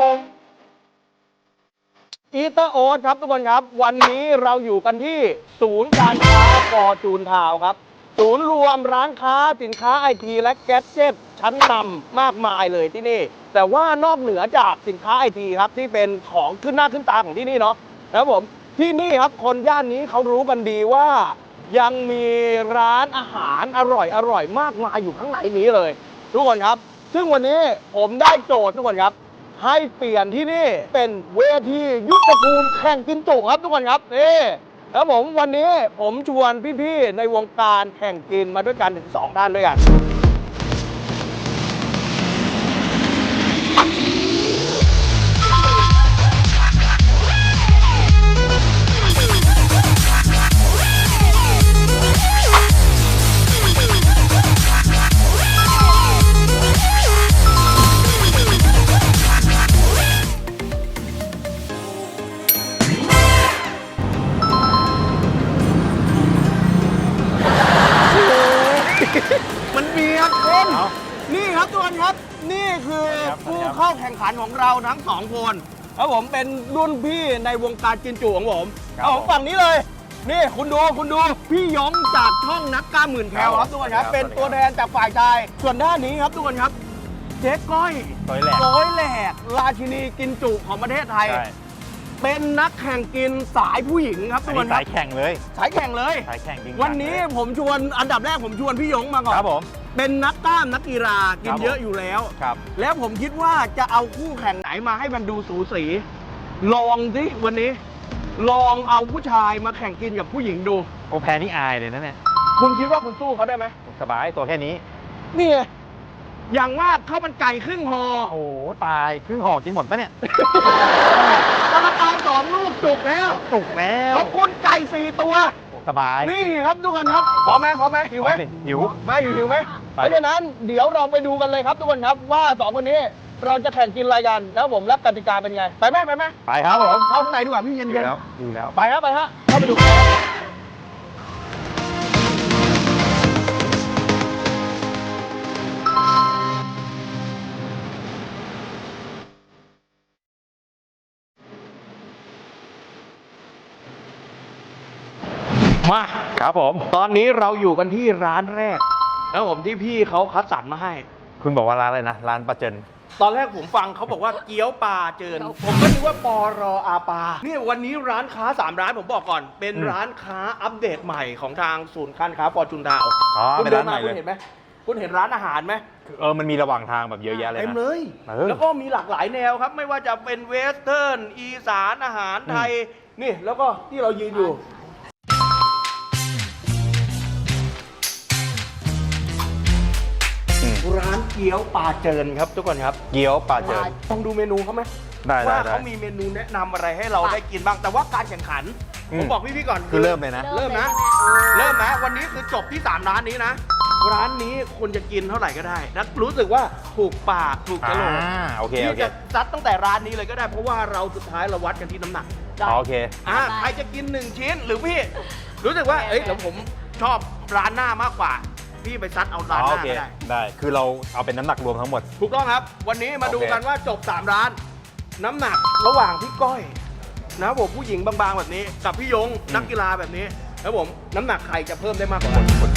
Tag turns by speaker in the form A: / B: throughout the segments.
A: อีเตอร์โอ๊ตครับทุกคนครับวันนี้เราอยู่กันที่ศูนย์การค้าฟอร์จูนทาวน์ครับศูนย์รวมร้านค้าสินค้าไอทีและแก๊สเจ็ตชั้นนำมากมายเลยที่นี่แต่ว่านอกเหนือจากสินค้าไอทีครับที่เป็นของขึ้นหน้าขึ้นตาของที่นี่เนาะนะครับผมที่นี่ครับคนย่านนี้เขารู้กันดีว่ายังมีร้านอาหารอร่อยมากมายอยู่ข้างในนี้เลยทุกคนครับซึ่งวันนี้ผมได้โจทย์ทุกคนครับให้เปลี่ยนที่นี่เป็นเวทียุทธภูมิแข่งกินจุครับทุกคนครับนี่แล้วผมวันนี้ผมชวนพี่ๆในวงการแข่งกินมาด้วยกันถึง2ท่านด้วยกันมันมีครับคนนี่ครับทุกคนครับนี่คือผู้เข้าแข่งขันของเราทั้ง2คนครับผมเป็นรุ่นพี่ในวงการกินจุของผมเอาของฝั่งนี้เลยนี่คุณดูพี่ยงจากช่องนักกล้าหมื่นแคลครับทุกคนครับเป็นตัวแทนจากฝ่ายชายส่วนด้านนี้ครับทุกคนครับเจ๊ก้อยร้อยแหลกราชินีกินจุของประเทศไทยเป็นนักแข่งกินสายผู้หญิงครับทุกคนครับสายแข่งเลยสายแข่งจริงวันนี้ผมชวนอันดับแรกผมชวนพี่ยงมาก่อนครับผมเป็นนักกล้ามนักกีฬากินเยอะอยู่แล้วครับแล้วผมคิดว่าจะเอาคู่แข่งไหนมาให้มันดูสูสีลองสิวันนี้ลองเอาผู้ชายมาแข่งกินกับผู้หญิงดู
B: โอแพ้นี่อายเลยนะเนี่ย
A: คุณคิดว่าคุณสู้เขาได้ไหม
B: สบายตัวแค่นี้
A: นี่อย่างมากข้าวมันไก่ครึ่งห่อ
B: โอ้ตายครึ่งห่อกินหมดปะเนี่ย
A: กระเพรา2 ลูกจุกแล้วขอบคุณไก่4 ตัว
B: สบาย
A: นี่ครับทุกคนครับพร้อมไหมหิวไหม
B: หิว
A: ไหมเพราะฉะนั้นเดี๋ยวเราไปดูกันเลยครับทุกคนครับว่า2คนนี้เราจะแข่งกินอะไรกันแล้วผมรับกติกาเป็นไงไปไหม
B: ไปครับผม
A: เข้าข้างในดีกว่าพี่เย็น
B: ดูแล้ว
A: ไปฮะเข้าไปดูมา
B: ครับผม
A: ตอนนี้เราอยู่กันที่ร้านแรกแล้วผมที่พี่เขาคัดสรรมาให้
B: คุณบอกว่าร้านอะไรนะร้านปลาเจิน
A: ตอนแรกผมฟังเขาบอกว่าเกี๊ยวปลาเจินผมก็นึกว่าปรอาปานี่วันนี้ร้านค้า3 ร้านผมบอกก่อนเป็นร้านค้าอัปเดตใหม่ของทางศูนย์การค้าฟอร์จูนดาว
B: คุณเดินมา
A: คุณเห็นไหมคุณเห็นร้านอาหารไหม
B: มันมีระหว่างทางแบบเยอะแยะเลยนะ
A: เต็มเลยแล้วก็มีหลากหลายแนวครับไม่ว่าจะเป็นเวสเทิร์นอีสานอาหารไทยนี่แล้วก็ที่เรายืนอยู่ร้านเกี๊ยวปลาเจินครับทุกคนครับ
B: เกี๊ยวปลาเจิน
A: ต้องดูเมนูเขาไหมว่าเขามีเมนูแนะนำอะไรให้เราได้กินบ้างแต่ว่าการแข่งขันผมบอกพี่ก่อน
B: คือเริ่มเลยนะ
A: เริ่มนะวันนี้คือจบที่3 ร้านนี้นะร้านนี้คนจะกินเท่าไหร่ก็ได้นะรู้สึกว่าถูกปากถูกกระโหลกที่จะซัดตั้งแต่ร้านนี้เลยก็ได้เพราะว่าเราสุดท้ายเราวัดกันที่น้ำหนัก
B: โอเค
A: ใครจะกิน1 ชิ้นหรือพี่รู้สึกว่าเดี๋ยวผมชอบร้านหน้ามากกว่าพี่ไปซัดเอาร้านหน้า
B: ได้คือเราเอาเป็นน้ำหนักรวมทั้งหมด
A: ถูกต้องครับวันนี้มาดูกันว่าจบ3 ร้านน้ำหนักระหว่างพี่ก้อยนะผมผู้หญิงบางๆแบบนี้กับพี่ยงนักกีฬาแบบนี้แล้วผมน้ำหนักใครจะเพิ่มได้มากกว่ากัน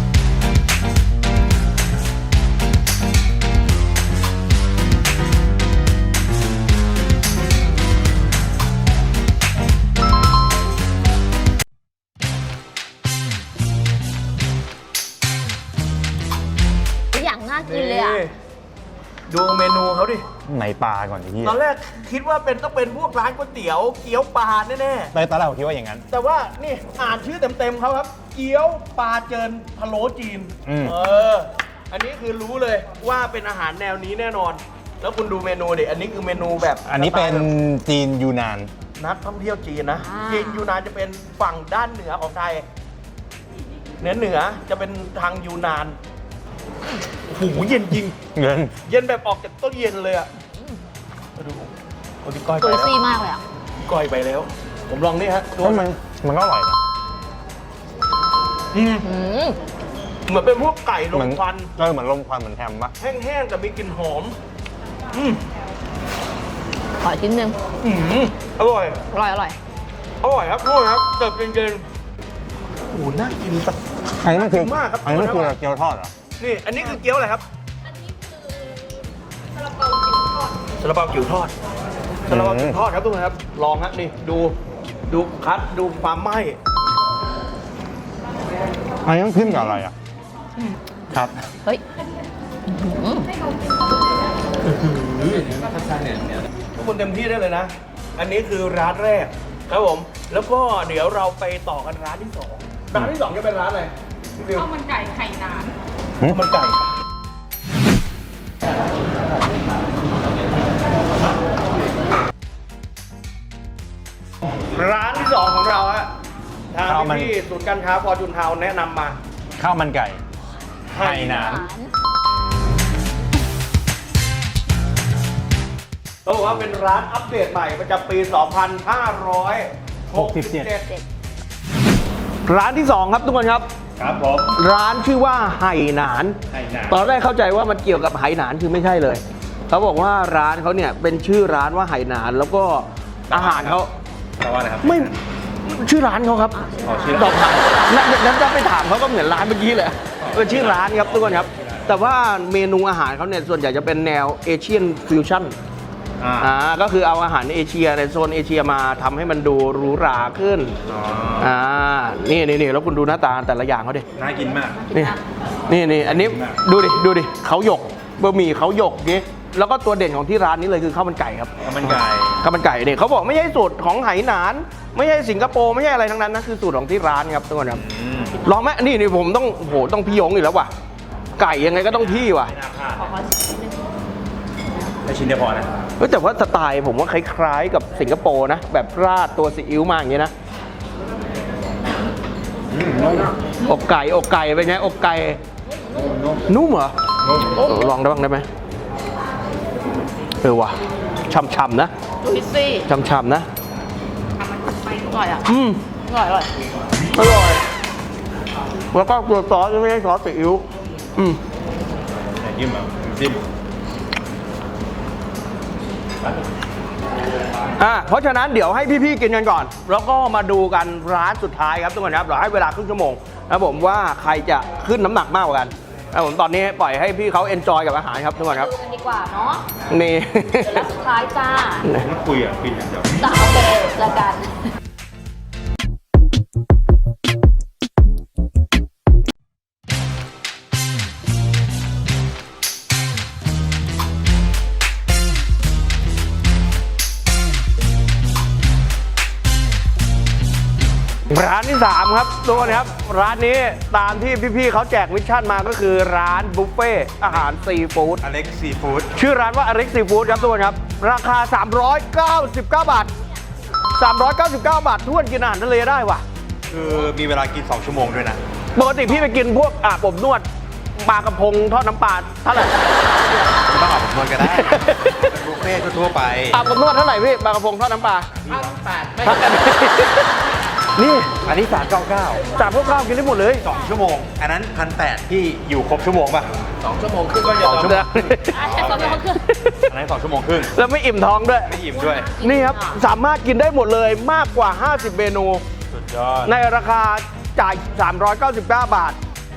C: กินเลยอ่ะ
A: ดูเมนูเขาดิ
B: ไหนปลาก่อนที่
A: ตอนแรกคิดว่าต้องเป็นพวกร้านก๋วยเตี๋ยวเกี๊ยวปลาแน่
B: ๆตอนแรกผมคิดว่าอย่างนั้น
A: แต่ว่านี่อ่านชื่อเต็มๆเขาครับเกี๊ยวปลาเจินพะโล้จีนอันนี้คือรู้เลยว่าเป็นอาหารแนวนี้แน่นอนแล้วคุณดูเมนูดิอันนี้คือเมนูแบบ
B: อันนี้เป็นจีนยูนาน
A: นักท่องเที่ยวจีนนะจีนยูนานจะเป็นฝั่งด้านเหนือของไทยเหนือจะเป็นทางยูนานโอ้โหเย็นจริงเย็นแบบออกจากต้นเย็นเลยอ่ะมาดูพี่ก้อย
C: ไปแล้วมากเลยอ่ะ
A: ก้อยไปแล้วผมลองนี่ฮะ
B: มันก็อร่อยนะ
A: เหมือนเป็นพวกไก่ลมควัน
B: เหมือนลมควันเหมือนแฮมปะ
A: แห้งๆแต่มีกลิ่นหอม
C: ขอชิ้นหนึ่ง
A: อร่อย
C: อร่อยอร่อย
A: อร่อยครับทุกคนครับเติบเย็นๆโอ้โหน่ากินสัก
B: อันนี้มันคือ
A: มากครับ
B: อันนี้มันคือเกี๊ยวทอดเหรอ
A: นี่อันนี้คือเกี๊ยวอะไรครับซาลาเปาจิ๋วทอดซาลาเปาจิ๋วทอดครับทุกคนครับลองฮะนี่ดูคัดดูความไหม้
B: อันนี้ต้องขึ้นกับอะไรอ่ะครับ
C: เฮ้ย
A: ทุกคนเต็มที่ได้เลยนะ อันนี้คือร้านแรกครับผม แล้วก็เดี๋ยวเราไปต่อกันร้านที่สองร้านที่สองจะเป็นร้านอะไรพี่ฟิว
D: ข้าวมันไก่ไข่นาน
A: ข้าวมันไก่ร้านที่สองของเราฮะทางพี่ๆศูนย์การค้าฟอร์จูนทาวน์แนะนำมา
B: ข้าวมันไก่ไห่หนาน
A: เขาบอกว่าเป็นร้านอัปเดตใหม่ประจำปี 2567 ร้านที่ 2 ครับทุกคนครับ
B: ครับผม
A: ร้านชื่อว่าไหหนาน
B: ไหหนาน
A: ตอนแรกเข้าใจว่ามันเกี่ยวกับไหหนานคือไม่ใช่เลย เขาบอกว่าร้านเขาเนี่ยเป็นชื่อร้านว่าไหหนาน แล้วก็อาหารเขา
B: แปลว่าอะไรครับ
A: ไม่ชื่อร้านเขาครับ
B: อ๋อชื่อ
A: ต
B: ร้า
A: อน บถามนั้นจะไปถามเขาก็เหมือนร้านเมื่อกี้เลยเป็นชื่อร้านครับทุกคนครับ แต่ว่าเมนูอาหารเขาเนี่ยส่วนใหญ่จะเป็นแนวเอเชียนฟิวชั่น ก็คือเอาอาหารเอเชียในโซนเอเชียมาทำให้มันดูหรูหราขึ้น นี่แล้วคุณดูหน้าตาแต่ละอย่างเขาดิ
B: น่ากินมาก
A: นี่อันนี้ดูดิเขาหยกบะหมี่เขาหยกนี่แล้วก็ตัวเด่นของที่ร้านนี้เลยคือข้าวมันไก่ครับ
B: ข้าวมันไก่
A: ข้าวมันไก่เนี่ยเขาบอกไม่ใช่สูตรของไหหนาน ไม่ใช่สิงคโปร์ไม่ใช่อะไรทั้งนั้นนะคือสูตรของที่ร้านครับทุกคนครับลองไหมนี่ผมต้องพี่ยงอีกแล้วว่ะไก่ยังไงก็ต้องพี่ว่ะ
B: ไม่น่าพลาด
C: ขอชิ้นหนึ่ง
B: ได้ชิ้นเดียวพอนะ
A: แต่ว่าสไตล์ผมว่าคล้ายๆกับสิงคโปร์นะแบบราดตัวซีอิ๊วมาอย่างนี้นะอกไก่เป็นไงอกไก่นุ่มเหรอลองได้บ้างได้ไหมว่ะช่ำๆนะ
C: ดูพิซซี่
A: ช่ำๆนะ
C: อร่อยอ่ะ อร่อย
A: อร่อยแล้วก็ตัวซอสไม่ใช่ซอสซีอิ๊ว
B: ไหนจิ้มอ่ะจิ้ม
A: เพราะฉะนั้นเดี๋ยวให้พี่ๆกินกันก่อน แล้วก็มาดูกันร้านสุดท้ายครับทุกคนครับเราให้เวลาครึ่งชั่วโมงนะผมว่าใครจะขึ้นน้ำหนักมากกว่ากันนะผมตอนนี้ปล่อยให้พี่เขาเอนจอยกับอาหารครับทุกคนครับ
C: ดูกันดีกว่าเนาะ
A: นี่
C: เดี๋ยวร้านสุดท้ายจ้า
B: ไม่คุยอ่ะกินอย่างเดียว
C: จ้าโอเคแล้วกัน
A: ร้านที่ 3 ครับทุกคนครับร้านนี้ตามที่พี่ๆเขาแจกมิชชั่นมาก็คือร้านบุฟเฟ่อาหารซีฟู้ด
B: อเล็กซีฟู้ด
A: ชื่อร้านว่าอเล็กซีฟู้ดครับทุกคนครับ ราคา 399 บาท 399 บาททวนกินอาหารทะเลได้ว่ะ
B: คือมีเวลากิน2ชั่วโมงด้วยนะ
A: ปกติพี่ไปกินพวกอาบอบนวดปลากระพงทอดน้ำปลาเท่าไหร่
B: ไม่ต้องอาบอบนวดก็ได้เป็นบุฟเฟ่ต์ทั่วๆไป
A: อาบอบนวดเท่าไหร่พี่ปลากระพงทอดน้ำปลา
D: 1,800 ไม่
A: พักกันนี่
B: อันนี้399
A: จากพวกเรากินได้หมดเลย
B: 2ชั่วโมง อันนั้น1,800ที่อยู่ครบชั่วโมงป่ะ
D: 2 ชั่วโมงครึ่งก็ยอม
B: 2ชั่วโมง
C: แค่สองชั่วโมงครึ่ง
B: อันนั้น2ชั่วโมงครึ่ง
A: แล้วไม่อิ่มท้องด้วย
B: ไม่อิ่มด้วย
A: นี่ครับ สามารถกินได้หมดเลยมากกว่า 50 เมนู
B: สุดยอด
A: ในราคาจ่าย 399 บาท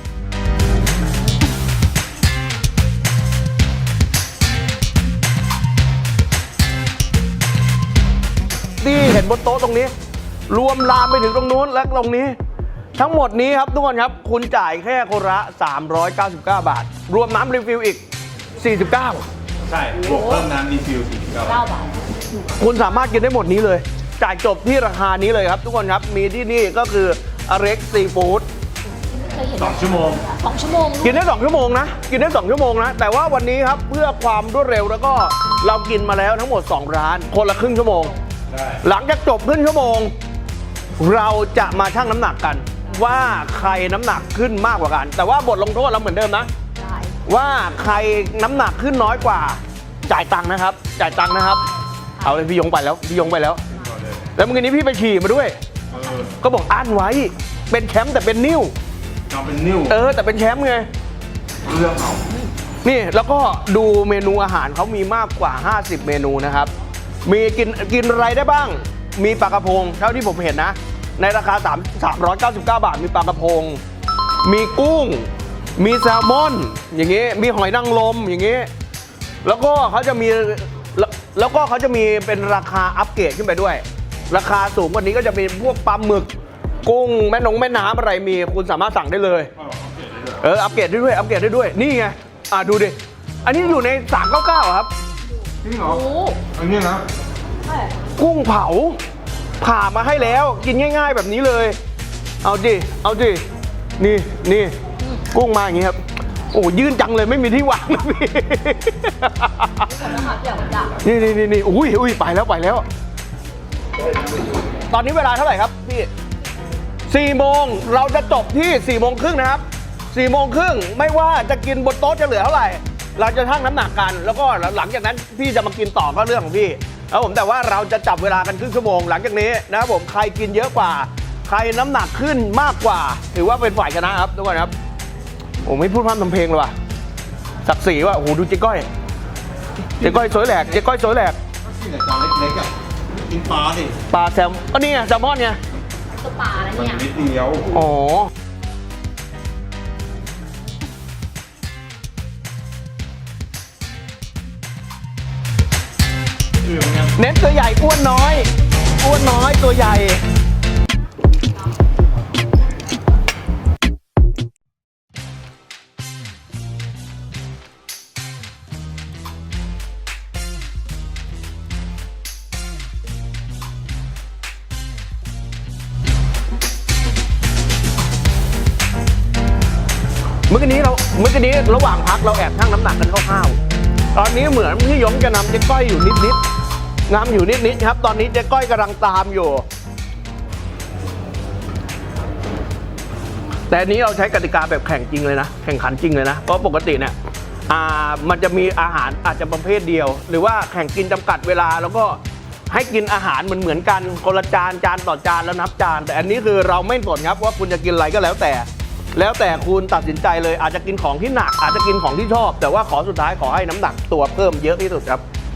A: ที่เห็นบนโต๊ะตรงนี้ รวมลามไปถึงตรงนู้นและตรงนี้ ทั้งหมดนี้ครับทุกคนครับ คุณจ่ายแค่คนละ 399 บาท รวมน้ำรีฟิลอีก 49
B: ใช่บวกเพิ่มน้ำรีฟิล49
C: 9 บาท
A: คุณสามารถกินได้หมดนี้เลย จ่ายจบที่ราคานี้เลยครับ ทุกคนครับ มีที่นี่ก็คืออเร็กซีฟู้ด
C: เคยเห็น
B: 2ชั่วโมง
C: 2 ชั่วโมง
A: กินได้ 2 ชั่วโมงนะ กินได้ 2 ชั่วโมงนะ แต่ว่าวันนี้ครับเพื่อความรวดเร็วแล้วก็เรากินมาแล้วทั้งหมด 2 ร้าน คนละครึ่งชั่วโมง
B: ได้
A: หลังจากจบครึ่งชั่วโมง เราจะมาชั่งน้ำหนักกัน ว่าใครน้ำหนักขึ้นมากกว่ากัน แต่ว่าบทลงโทษเราเหมือนเดิมนะ
C: ได้
A: ว่าใครน้ำหนักขึ้นน้อยกว่า จ่ายตังค์นะครับ จ่ายตังค์นะครับ เอาเลยพี่ยงไปแล้วพี่ยงไปแล้ว แล้วเมื่อกี้นี้พี่ไปฉี่มาด้วย ก็บอกอั้นไว้ เป็นแชมป์แต่เป็นนิ้ว
B: เอาเป็นนิ้ว
A: แต่เป็นแชมป์ไง
B: เรื่องเอา
A: นี่แล้วก็ดูเมนูอาหารเขามีมากกว่า 50 เมนูนะครับมีกินอะไรได้บ้าง มีปลากระพงเท่าที่ผมเห็นนะ ในราคา399 บาทมีปลากระพง มีกุ้ง มีแซลมอน อย่างงี้มีหอยนางรมอย่างงี้แล้วก็เขาจะมีเป็นราคาอัปเกรดขึ้นไปด้วย ราคาสูงกว่านี้ก็จะเป็นพวกปลาหมึกกุ้งแม่น้ำอะไรมีคุณสามารถสั่งได้เลยอัปเกรดได้ด้วยนี่ไงดูดิอันนี้อยู่ใน399ครับ
B: จริงเหรออันนี้นะ
A: กุ้งเผาผ่ามาให้แล้วกินง่ายๆแบบนี้เลยเอาดินี่กุ้งมาอย่างงี้ครับโอ้ยื่นจังเลยไม่มีที่วางนะพี่นี่อุ้ยไปแล้ว ตอนนี้เวลาเท่าไหร่ครับพี่4 โมงเราจะจบที่4 โมงครึ่งนะครับ4 โมงครึ่งไม่ว่าจะกินบนโต๊ะจะเหลือเท่าไหร่เราจะชั่งน้ำหนักกันแล้วก็หลังจากนั้นพี่จะมากินต่อก็เรื่องของพี่แล้วผมแต่ว่าเราจะจับเวลากันครึ่งชั่วโมงหลังจากนี้นะครับผมใครกินเยอะกว่าใครน้ำหนักขึ้นมากกว่าถือว่าเป็นฝ่ายชนะครับทุกคนครับผมไม่พูดพร่ำทำเพลงเลยว่ะศักดิ์ศรีว่ะโอ้โหดูเจ๊ก้อยสวยแหลก
B: ก็กินแต่จานเล็กๆอ่ะกินปลาดิ
A: ปลาแซลมก็นี่ไงแซลมอนไง
C: ตัวปลาแล้ว
B: มัน
C: เนี่ย
B: นิดเดียว
A: อ๋อเน้นตัวใหญ่อ้วนน้อยตัวใหญ่เมื่อกี้นี้ระหว่างพักเราแอบชั่งน้ำหนักกันคร่าวๆตอนนี้เหมือนพี่ยงจะนำเจ๊ก้อยอยู่นิดครับ ตอนนี้เจ๊ก้อยกำลังตามอยู่แต่อันนี้เราใช้กติกาแบบแข่งจริงเลยนะแข่งขันจริงเลยนะเพราะปกติเนี่ยมันจะมีอาหารอาจจะประเภทเดียว หรือว่าแข่งกินจำกัดเวลาแล้วก็ให้กินอาหารเหมือนกันคนละจานต่อจานแล้วนับจานแต่อันนี้คือเราไม่สนครับว่าคุณจะกินอะไรก็แล้วแต่คุณตัดสินใจเลยอาจจะกินของที่หนักอาจจะกินของที่ชอบแต่ว่าสุดท้ายขอให้น้ำหนักตัวเพิ่มเยอะที่สุดครับ